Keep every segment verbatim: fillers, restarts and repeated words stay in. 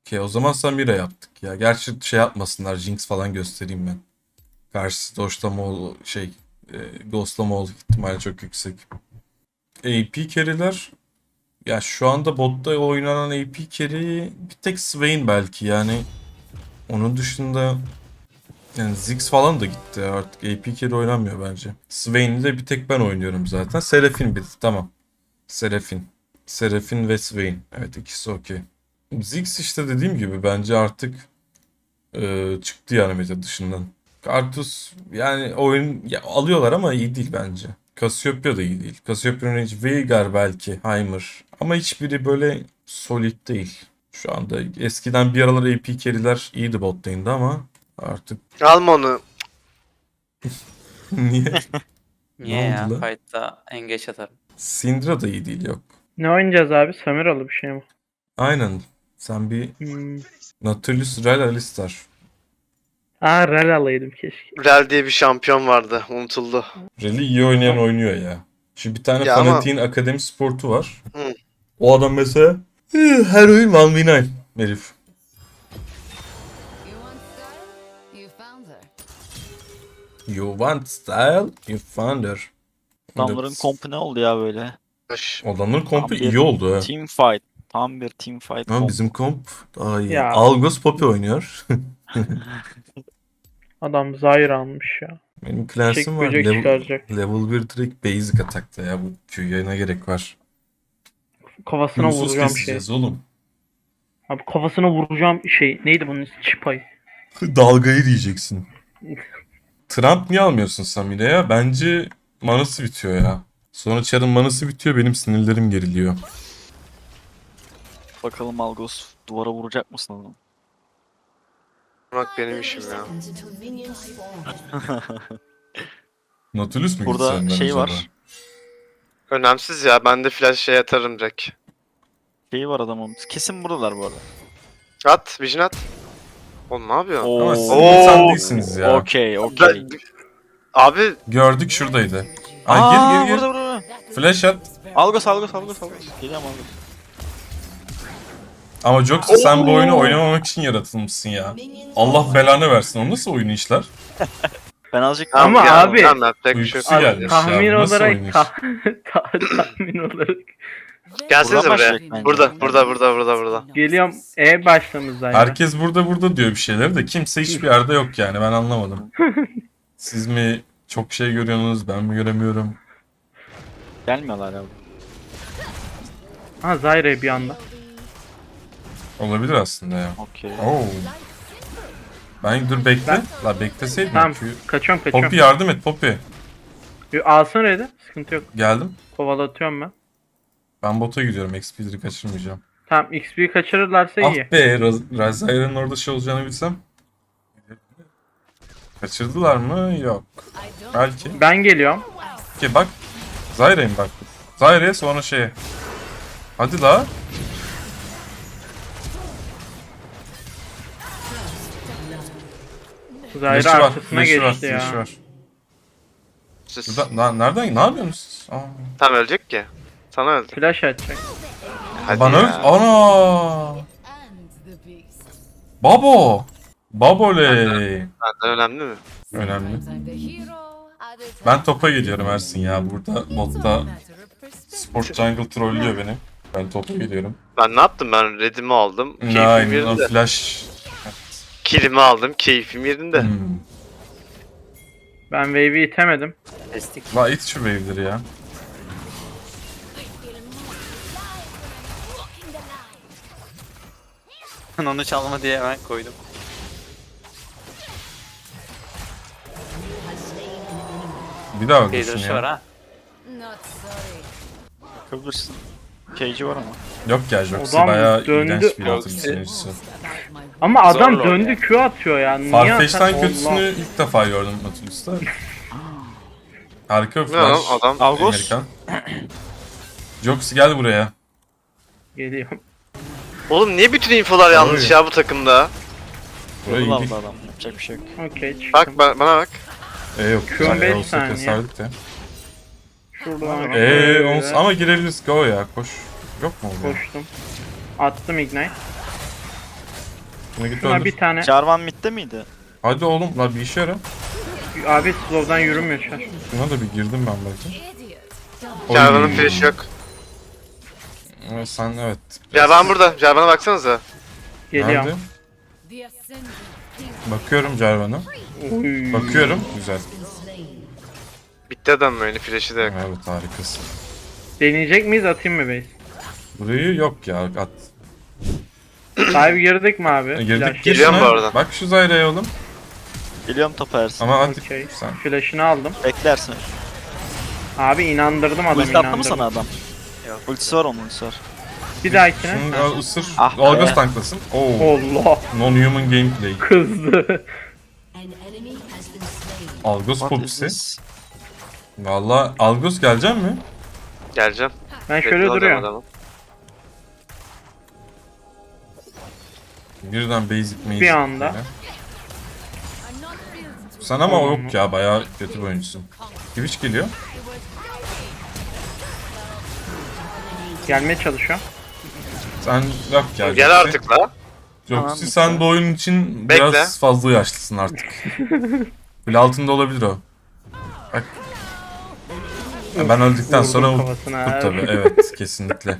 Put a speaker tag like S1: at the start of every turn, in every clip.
S1: Okey, o zaman Samira yaptık ya. Gerçi şey yapmasınlar, Jinx falan göstereyim ben. Karşısı Doşlama ol şey e, Ghostlama ol ihtimali çok yüksek. A P carry'ler ya şu anda botta oynanan A P carry bir tek Swain belki yani. Onun dışında yani Ziggs falan da gitti artık. A P carry oynanmıyor bence. Swain'i de bir tek ben oynuyorum zaten. Seraphine bir tamam. Seraphine. Seraphine ve Swain. Evet, ikisi okey. Ziggs işte dediğim gibi bence artık e, çıktı yani meta dışından. Karthus yani oyun ya, alıyorlar ama iyi değil bence. Cassiopeia da iyi değil. Cassiopeia'nın hiç Veigar belki, Heimer ama hiçbiri böyle solid değil. Şu anda eskiden bir aralar A P carry'ler iyiydi bot lane'de ama artık
S2: Alma onu.
S1: niye? Ne
S3: Niye
S1: oldu
S3: ya?
S1: lan?
S3: Fight'ta engeç atarım.
S1: Syndra da iyi değil yok.
S4: Ne oynayacağız abi? Samiralı bir şey mi?
S1: Aynen. Sen bir
S4: Hmm.
S1: Nautilus Rel Alistar.
S4: Aa Rel alaydım keşke.
S2: Rel diye bir şampiyon vardı. Unutuldu.
S1: Rel'i iyi oynayan oynuyor ya. Şimdi bir tane
S2: Ya ama-
S1: fanatiğin akademi sportu var.
S2: Hı.
S1: O adam mesela "Eh, her oyun bir ve dokuz herif.
S5: You want style? You found her.
S1: You want style, you found her.
S6: Adamların
S1: Evet.
S6: kompu ne oldu ya böyle?
S2: Hoş.
S1: Adamların kompu
S6: Tam bir
S1: iyi oldu ha.
S6: Team fight. Tam bir team fight
S1: Ama
S6: komp.
S1: bizim komp daha iyi.
S4: Ya.
S1: Algos Poppy oynuyor.
S4: Adam Zyra almış ya.
S1: Benim
S4: Çek
S1: Clans'ım var.
S4: böcek
S1: Level,
S4: çıkaracak.
S1: level bir direkt basic atakta ya. Bu Q'ya ne gerek var?
S4: Kafasına
S1: Huysuz
S4: vuracağım şey.
S1: keseceğiz oğlum.
S4: Abi kafasına vuracağım şey. Neydi bunun ismi? Çipay.
S1: Dalgayı diyeceksin. Trump niye almıyorsun Samire'ye? Bence manası bitiyor ya. Sonra Char'ın manası bitiyor, benim sinirlerim geriliyor.
S6: Bakalım Algos duvara vuracak mısın oğlum?
S2: Bak benim işim ya.
S1: Nautilus mu
S6: Burada
S1: gitsen ben
S6: şey
S1: acaba?
S6: var.
S2: Önemsiz ya. Ben de flash şey atarım direkt.
S6: Şeyi var adamın. Kesin buradalar bu arada.
S2: At. Vision at. Oğlum ne yapıyorsun?
S1: Ama siz
S6: Oo.
S1: insan değilsiniz ya.
S6: Okey okey.
S2: Ben- Abi
S1: Gördük şuradaydı. Ay
S6: Aa
S1: gir gir gir.
S6: burada burada.
S1: Flash at.
S6: Algos Algos Algos Algos. Geliyorum Algos.
S1: Ama Joxy sen bu oyunu oynamamak için yaratılmışsın ya. Allah belanı versin. O nasıl oyun işler?
S6: Ben azıcık
S2: tamam
S4: Ama
S2: ya,
S4: abi-
S2: Tamam yapacak bir şey
S1: Uykusu
S2: yok.
S1: gelmiş ya.
S4: Tahmin
S1: Bu nasıl
S4: olarak
S1: oyun iş?
S4: ta- ta- tahmin olarak
S2: Gelsenize
S6: Buradan
S2: buraya.
S6: başlayacak bence.
S2: Burada, burada, burada, burada, burada.
S4: geliyorum. E başlamış zaten.
S1: Herkes burada burada diyor bir şeyler de kimse hiçbir yerde yok yani, ben anlamadım. Siz mi çok şey görüyorsunuz, ben mi göremiyorum?
S6: gelmiyorlar abi.
S4: Ha Zyra'ya bir anda.
S1: Olabilir aslında ya.
S6: Okey.
S1: Oo. Ben dur bekle. La bekleseydin.
S4: Tamam
S1: Q-
S4: kaçıyorum kaçıyorum.
S1: Poppy yardım et Poppy.
S4: Yo, alsana Red'i. Sıkıntı yok.
S1: Geldim.
S4: Kovalatıyorum ben.
S1: Ben bota gidiyorum. X P'leri kaçırmayacağım.
S4: Tamam X P'yi kaçırırlarsa iyi.
S1: Ah be, Razaya'nın orada şey olacağını bilsem. Kaçırdılar mı? Yok. Belki.
S4: Ben geliyorum.
S1: Ki bak. Zyra'yım bak. Zyra'ya sonra şeye. Hadi la.
S4: Zyra
S1: Flash'ı var.
S4: arkasına
S1: Flash'ı var.
S4: geçti ya.
S1: Flash'ı var.
S2: Siz.
S1: Burada, na- nereden? Ne yapıyorsunuz? Aa.
S2: Tam ölecek ki. Sana öldü.
S4: Flash atacak.
S2: Hadi
S1: Bana
S2: ya.
S1: öl. Ana. Babo. Baboley.
S2: Benden önemli mi?
S1: Önemli. Ben topa gidiyorum Ersin ya. Burada botta Sport Jungle trollüyor beni. Ben topa gidiyorum.
S2: Ben ne yaptım? Ben redimi aldım. Keyfim
S1: Aynen o
S2: yerinde.
S1: flash.
S2: Killimi aldım. Keyfim yerinde.
S1: Hmm.
S4: Ben wave'i itemedim.
S3: Destek.
S1: La it şu wave'leri ya.
S3: Onu çalma diye hemen koydum.
S1: Bir daha
S3: Bir
S1: öldürsün
S3: duruşu var
S1: ya.
S3: ha.
S6: Bakabilirsin. Cage'i var ama.
S1: Yok ya Joxy
S4: Adam
S1: bayağı
S4: döndü.
S1: iğrenç bir
S3: Joxy.
S1: atım seyircisi.
S4: Ama adam
S3: Zorla
S4: döndü
S3: yani.
S4: Q atıyor ya. Niye
S1: Farfetch'ten
S4: atar-
S1: kötüsünü
S4: Allah.
S1: ilk defa gördüm Nautilus'ta. Harika bir
S2: Ne lan
S1: flash.
S2: adam?
S6: Algos.
S1: Amerikan. Joxy gel buraya.
S4: Geliyorum.
S2: Oğlum niye bütün infolar yanlış
S1: Doğru.
S2: ya bu takımda?
S1: Buraya
S6: Yolu
S1: iyi.
S6: aldı adam. Yapacak bir şey yok.
S4: Okey çıktım.
S2: Bak ba- bana bak.
S1: E yok.
S4: Şu an
S1: güzel
S4: beş
S1: ya, olsa
S4: saniye.
S1: keserdik de.
S4: Şuradan
S1: Eee ons ama girebiliriz. Go ya koş. Yok mu orada?
S4: koştum. Attım ignite.
S1: Şuna git
S4: Şuna
S1: öldür.
S4: bir tane.
S6: Jarvan midde miydi?
S1: Hadi oğlum lan bir işe yara.
S4: Abi slow'dan yürümüyor şu an.
S1: Şuna da bir girdim ben belki. Oy.
S2: Jarvan'ın flash'ı yok.
S1: Evet, sen evet.
S2: Jarvan burada. Jarvan'a baksanıza.
S4: Geliyor.
S1: Nerede? Bakıyorum Jarvan'a.
S4: Uy.
S1: Bakıyorum. Güzel.
S2: Bitti adam böyle flash'ı da yok.
S1: Evet harikasın.
S4: Deneyecek miyiz, atayım mı base?
S1: Burayı yok ya at.
S4: Dive girdik mi abi?
S1: E, girdik
S4: Flash.
S1: gir
S2: Geliyorum
S1: şuna.
S2: bu arada.
S1: Bak şu Zyra'ya oğlum.
S6: Geliyorum topa Ersin.
S1: Ama hadi
S4: Okey.
S1: sen.
S4: Flash'ını aldım.
S6: Beklersin.
S4: Abi inandırdım adamı,
S6: Ulti attı mı
S4: inandırdım.
S6: sana adam?
S3: Yok.
S6: Ultisi var onun, ultisi var.
S4: Bir dahakine.
S1: Şunu
S4: Ha.
S1: al, ısır.
S6: Ah be.
S1: Algos tanklasın. Oo.
S4: Allah,
S1: Non-human gameplay.
S4: kızdı.
S1: Algos
S6: What is
S1: popisi.
S6: this?
S1: Valla Algos gelecek mi?
S2: Geleceğim.
S4: Ben şöyle
S2: Bekliyorum
S4: duruyorum.
S2: adamı.
S1: Birden basic maze.
S4: Bir anda.
S1: böyle. Sen ama yok ya bayağı kötü bir oyuncusun. Twitch geliyor.
S4: Gelmeye çalışıyor.
S1: Sen yok ya.
S2: Gel
S1: Joxy.
S2: artık la.
S1: Joxy
S6: Tamam,
S1: sen bu oyun için
S2: Bekle.
S1: biraz fazla yaşlısın artık. Bile altında olabilir o. Bak. Ya ben öldükten
S4: Vurdum
S1: sonra
S4: kafasına.
S1: bu tabii evet kesinlikle.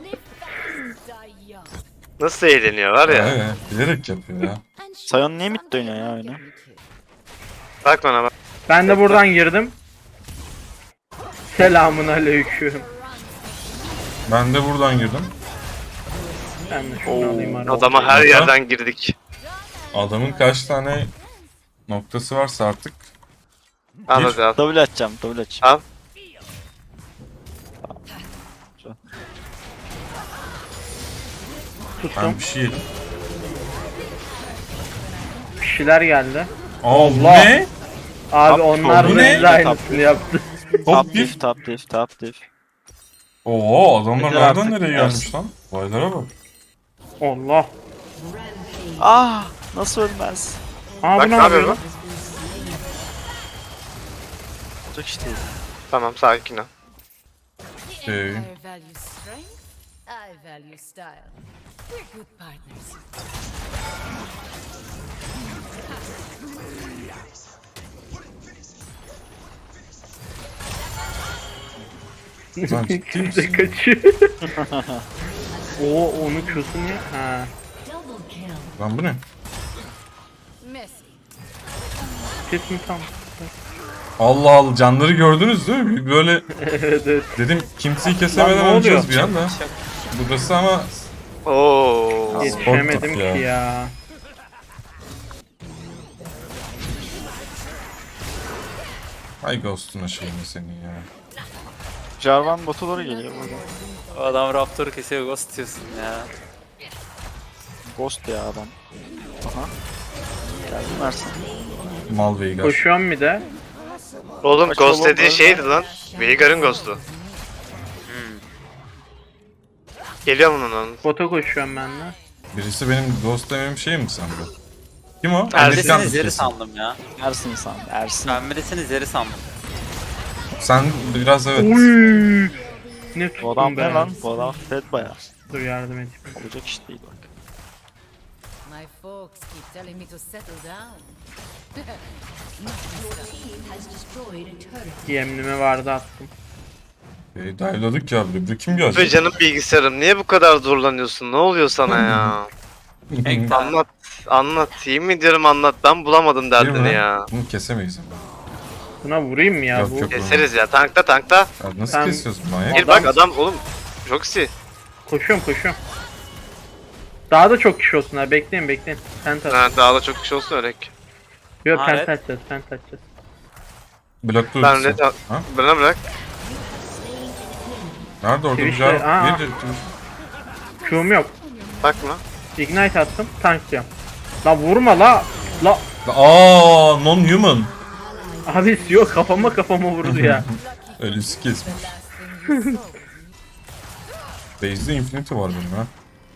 S2: Nasıl eğleniyor var ya.
S1: Evet, bilerek yapıyor ya.
S6: Sion niye midde oynuyor ya öyle?
S2: Bak bana bak.
S4: Ben de buradan girdim. Selamun aleyküm.
S1: Ben de buradan girdim.
S4: Ben de şunu
S6: Oo.
S4: alayım arada.
S2: Adama her yerden girdik.
S1: Adamın kaç tane noktası varsa artık.
S2: Al
S1: Bir.
S2: hadi al.
S6: W atacağım, W atacağım.
S2: Al.
S4: Tuttum.
S1: Ben bir şey yedim.
S4: Bir şeyler geldi.
S1: Aa,
S4: Allah!
S1: ne?
S4: Abi
S6: Top-
S4: onlar
S1: bu
S4: da
S1: ne?
S4: bize aynısını yaptı.
S1: Top
S6: Top
S1: bir.
S6: diff, top diff, top diff.
S1: Oo adamlar
S6: Yeter
S1: nereden
S6: artık,
S1: nereye
S6: yersin.
S1: gelmiş lan? Vaylara bak.
S4: Allah.
S6: Ah, nasıl ölmez?
S4: Aa
S2: Bak
S4: bu
S2: ne
S4: ne
S2: yapıyor
S4: yapıyor?
S2: bu?
S6: Olacak işte.
S2: Tamam sakin ol.
S1: Şey,
S7: I value strength. I value style. We're good partners.
S1: sen ciddi
S4: Bize
S1: misin?
S4: kaçıyor. Oo onu Q'su niye? Ha.
S1: Lan bu ne?
S7: Messy.
S4: Kes mi tam?
S1: Allah Allah canları gördünüz değil mi? Böyle
S4: Evet evet.
S1: dedim kimseyi
S4: Lan
S1: kesemeden
S4: ne
S1: öleceğiz
S4: oluyor?
S1: bir anda. Burası ama
S2: Oo.
S4: Yetişemedim
S1: Sportif ya.
S4: ki ya.
S1: ay ghost'una şeyini senin ya.
S6: Jarvan bota doğru geliyor burada.
S3: O adam Raptor'u kesiyor, ghost diyorsun ya.
S6: Ghost ya adam. Aha. Geldim Ersin.
S1: Mal Veigar.
S4: Koşuyorum bir de.
S2: Oğlum
S6: Kaç
S2: Ghost
S6: oğlum,
S2: dediği
S6: öyle.
S2: şeydi lan. Veigar'ın Ghost'u. Geliyor mu onun?
S4: Bota koşuyorum ben de.
S1: Birisi benim ghost demem şey mi sende? Kim o?
S2: Ersin.
S1: Amerikan
S3: Pembedesini zeri
S1: kesin.
S3: sandım ya.
S6: Ersin sen, Ersin.
S3: Pembedesini zeri sandım.
S1: Sen biraz evet.
S4: Uy. Ne
S6: Bu adam
S4: tuttum
S6: ne
S4: ben?
S6: lan? Bu adam fed baya.
S4: Dur yardım edeyim.
S6: Olacak iş değil bak.
S7: My folks keep telling me to settle down.
S4: Yemlime vardı attım.
S1: E, dive'ladık ya buraya. Bu kim
S2: Ve
S1: gelecek?
S2: canım bilgisayarım niye bu kadar zorlanıyorsun? Ne oluyor sana ya?
S3: Tek tane.
S2: Anlat. Anlat. Yemin ediyorum anlat. Ben bulamadım
S1: Değil mi?
S2: derdini ya.
S1: Bunu kesemeyiz ama.
S4: Buna vurayım mı ya
S1: Yok,
S4: bu?
S1: yok.
S2: Keseriz ya. Tankta tankta.
S1: Ya nasıl
S4: Ben-
S1: kesiyorsun manyak?
S2: Gir bak adam oğlum. Joxy.
S4: Koşuyorum koşuyorum. Daha da çok kişi olsun ha, bekleyin bekleyin. Pent at.
S2: Ha, daha da çok kişi olsun öyle.
S4: Yok
S3: Ha,
S4: pent
S3: evet.
S4: atacağız, pent atacağız.
S1: Blokta
S2: Ben
S1: ultisi.
S2: red al.
S1: Ha?
S2: Bana bırak.
S1: Nerede orada bir
S4: Twitch'te-
S1: cevap?
S4: Aa.
S1: Bir
S4: Q'um yok.
S2: Bakma.
S4: Ignite attım, tanklıyorum. La vurma la. La.
S1: Aa, non-human.
S4: Abi yok, kafama kafama vurdu ya.
S1: Ölüsü kesmiş.
S7: Last thing you saw.
S1: Base'de Infinity var benim ha.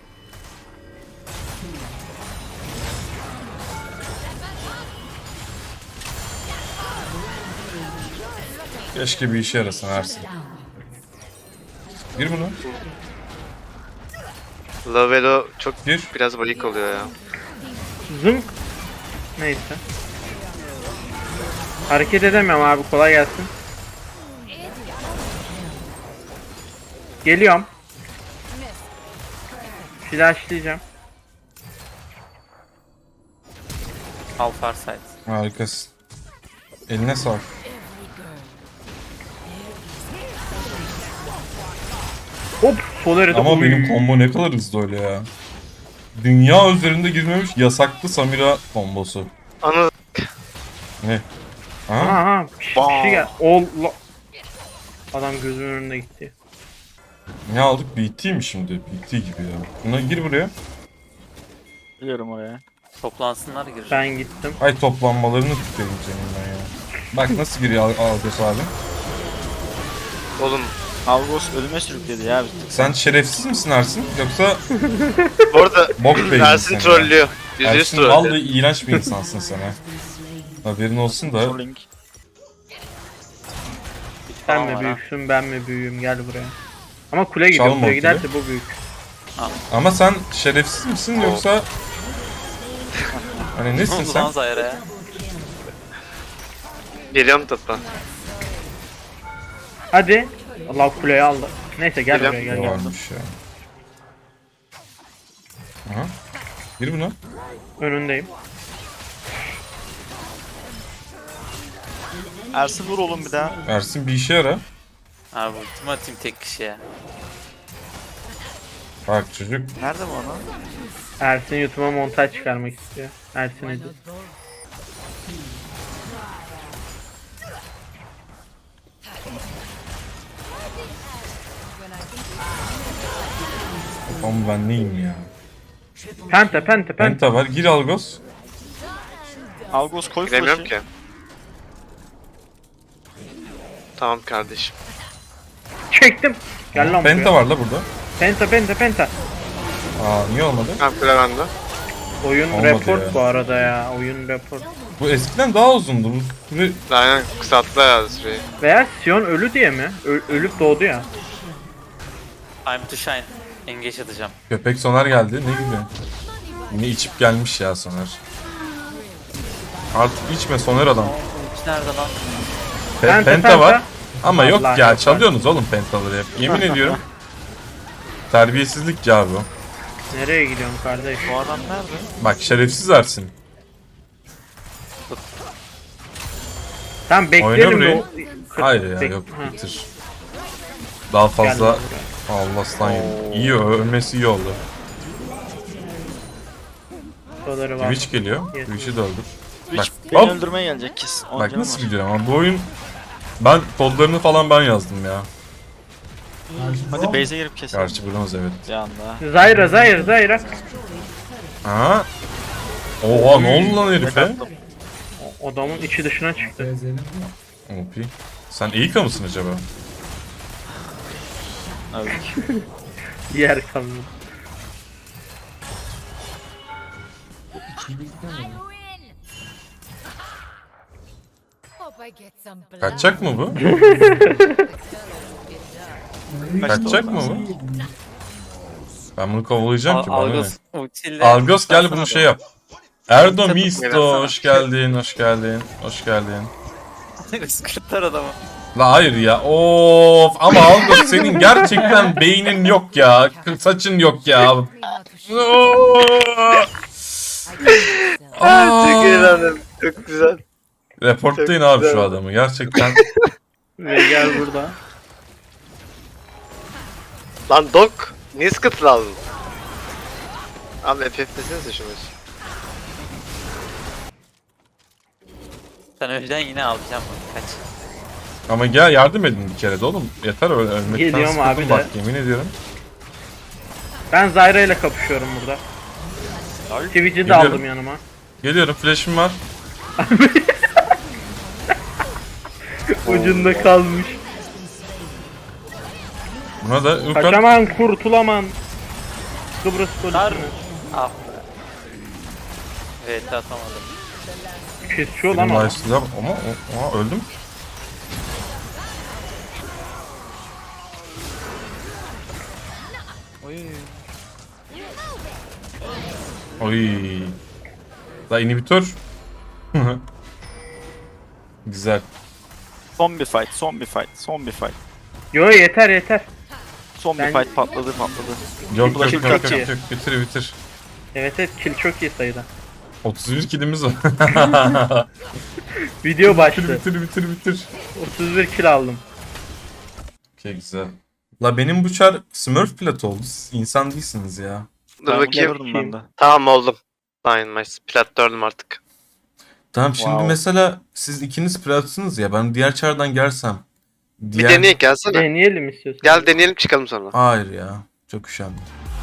S1: Keşke bir işe yarasın Ersin. Gir bunu.
S2: Lavelo çok
S1: Gir.
S2: biraz bayık oluyor ya.
S4: Zınk. Neyse. Hareket edemiyorum abi, kolay gelsin. Geliyorum. Flashlayacağım.
S3: Al Farsight.
S1: Harikasın. Eline sağlık.
S4: Hop, Solar'ı da
S1: Ama
S4: oy.
S1: benim combo ne kadar hızlı öyle ya. Dünya üzerinde girmemiş yasaklı Samira kombosu.
S2: Anı
S1: Ne? Ha?
S4: Aha, aha. Bir şey, bir şey gel. Allah. Adam gözümün önünde gitti.
S1: Ne aldık? B T mi şimdi? B T gibi ya. Buna gir buraya.
S6: Biliyorum oraya.
S3: Toplansınlar girir.
S4: Ben gittim.
S1: Ay toplanmalarını tutayım senin ben ya. Bak nasıl giriyor Al- Algos abi.
S2: oğlum.
S6: Algos ölüme sürükledi ya.
S1: Sen şerefsiz misin Ersin? Yoksa
S2: Bu arada
S1: bok beyinsin
S2: Ersin trollüyor. Yüzde yüz
S1: Ersin
S2: trollüyor.
S1: vallahi iğrenç bir insansın sen ha. Haberin olsun da.
S6: Trolling.
S4: Sen
S3: Tamam
S4: mi
S3: var ha.
S4: büyüksün, ben mi büyüğüm, gel buraya. Ama kule gidiyor,
S1: Çalma
S4: kule
S1: o
S4: giderse
S1: kule.
S4: bu büyük.
S1: Ama sen şerefsiz misin yoksa... Hani
S3: Ne
S1: nesin
S3: oldu lan
S1: sen?
S3: Zayra'ya? ya?
S2: Geliyorum topla.
S4: Hadi. Allah kuleyi aldı. Neyse gel
S2: Geliyorum.
S4: buraya gel
S1: Ne
S4: gel.
S1: varmış ya. Aha. Gir buna.
S4: Önündeyim.
S6: Ersin vur oğlum bir daha.
S1: Ersin bir işe yara.
S3: Abi ultimi atayım tek kişiye.
S1: Bak çocuk.
S6: Nerede bu ana?
S4: Ersin YouTube'a montaj çıkarmak istiyor. Ersin Edit.
S1: Ama ben neyim ya?
S4: Penta penta penta.
S1: Penta var. Gir Algos.
S6: Algos koy
S2: Giremiyorum
S6: flash'ı.
S2: ki. Tamam kardeşim.
S4: Çektim. Gel lan
S1: Penta
S4: buraya.
S1: var la burada.
S4: Penta penta penta.
S1: Aa niye olmadı?
S2: Tamam kule bende.
S4: Oyun
S1: Olmadı
S4: report
S1: ya.
S4: bu arada ya. Oyun report.
S1: Bu eskiden daha uzundu. Bu süre...
S2: Aynen kısalttı herhalde süreyi.
S4: Veya Sion ölü diye mi? Ö- ölüp doğdu ya.
S3: I'm to shine. Engage atacağım.
S1: Köpek Soner geldi. Ne gibi? Yine içip gelmiş ya Soner. Artık içme Soner adam.
S3: Ulti nerede lan?
S1: Pe-
S4: Penta,
S1: penta,
S4: penta.
S1: var. Ama yok
S4: Allah
S1: ya
S4: yok.
S1: çalıyorsunuz oğlum pentaları hep. Yemin ediyorum. Terbiyesizlik ya bu.
S4: Nereye gidiyorsun kardeş?
S6: Bu adam nerede?
S1: Bak şerefsiz Ersin.
S4: Tamam
S1: Oyna
S4: bekleyelim
S1: burayı.
S4: de o-
S1: Hayır ya
S4: Bek-
S1: yok
S4: Ha,
S1: bitir. Daha
S4: gel
S1: fazla
S4: lan
S1: Allah aslan yedim. İyi ölmesi iyi oldu.
S4: buraya. Doları var.
S1: Twitch geliyor.
S4: Yes.
S1: Twitch'i de öldür. Bak
S6: Twitch beni
S1: hop.
S6: öldürmeye gelecek kes. On
S1: Bak
S6: canım
S1: nasıl
S6: var.
S1: gidiyor ama bu oyun. Ben kodlarını falan ben yazdım ya.
S6: Hadi base'e girip keselim.
S1: Gerçi bronz evet.
S6: Bir anda.
S4: Zyra Zyra Zyra.
S1: Aha. Oha ne oldu lan herife?
S6: Backup.
S4: O- Adamın içi dışına çıktı.
S1: O P. Sen Eika mısın acaba?
S6: Evet.
S4: Yer kaldı.
S7: I win. Hope I get some blood.
S1: Kaçacak mı bu? Kaçacak mı bu? Ben bunu kovalayacağım
S3: Al-
S1: ki bana ne?
S3: Algos ultiyle.
S1: Algos gel bunu
S3: Tutsana
S1: şey
S3: adamı.
S1: yap. Erdo
S3: Tabii,
S1: Misto
S3: oynasana.
S1: hoş geldin hoş geldin hoş geldin.
S3: Sıkırtlar adamı.
S1: La hayır ya of ama Algos senin gerçekten beynin yok ya saçın yok ya.
S7: Me how to shoot.
S2: Aa, çok eğlendim. Çok güzel.
S1: Reportlayın
S2: Çok
S1: abi
S2: güzel.
S1: şu adamı gerçekten.
S4: Ve gel burada.
S2: Lan Dok. Niye sıkıntı aldın? Abi F F desenize şunu.
S3: Sen önceden yine alacağım bunu. Kaç.
S1: Ama gel yardım edin bir kere de oğlum. Yeter öyle ölmekten
S4: Geliyorum
S1: sıkıldım
S4: abi de.
S1: bak yemin ediyorum.
S4: Ben Zyra ile kapışıyorum burada. Twitch'i de
S1: Geliyorum.
S4: aldım yanıma.
S1: Geliyorum flash'im var.
S4: Ucunda kalmış.
S1: Buna da Urkat
S4: Kaçaman kurtulaman. Kıbrıs
S3: Tar.
S4: polisini.
S3: Ah be. Evet atamadım.
S4: Kesiyor lan o.
S1: Nice'la ama o- Aa, öldüm.
S6: Oy.
S1: Oy. Daha inhibitor. Güzel.
S6: Son bir fight, son bir fight, son bir fight.
S4: Yo yeter yeter.
S6: Son
S4: Ben-
S6: bir fight patladı patladı.
S1: Yok yok
S6: Kill
S1: yok
S6: çok
S1: yok,
S4: iyi.
S1: yok. Bitir bitir.
S4: Evet evet kill çok iyi sayıda.
S1: otuz bir killimiz var.
S4: Video
S1: bitir
S4: başladı.
S1: bitir bitir bitir.
S4: otuz bir kill aldım.
S1: Okey güzel. La benim bu çar Smurf plat oldu. Siz insan değilsiniz ya.
S2: Dur
S6: Ben
S2: bakayım.
S6: gördüm ben de.
S2: Tamam oldum. Dynamite. Plat dördüm artık.
S1: Tamam şimdi
S6: Wow.
S1: mesela siz ikiniz platsınız ya ben diğer çardan gelsem.
S2: Bir deneyek gelsene.
S4: Deneyelim istiyorsan.
S2: Gel deneyelim çıkalım sonra.
S1: Hayır ya. Çok üşendim.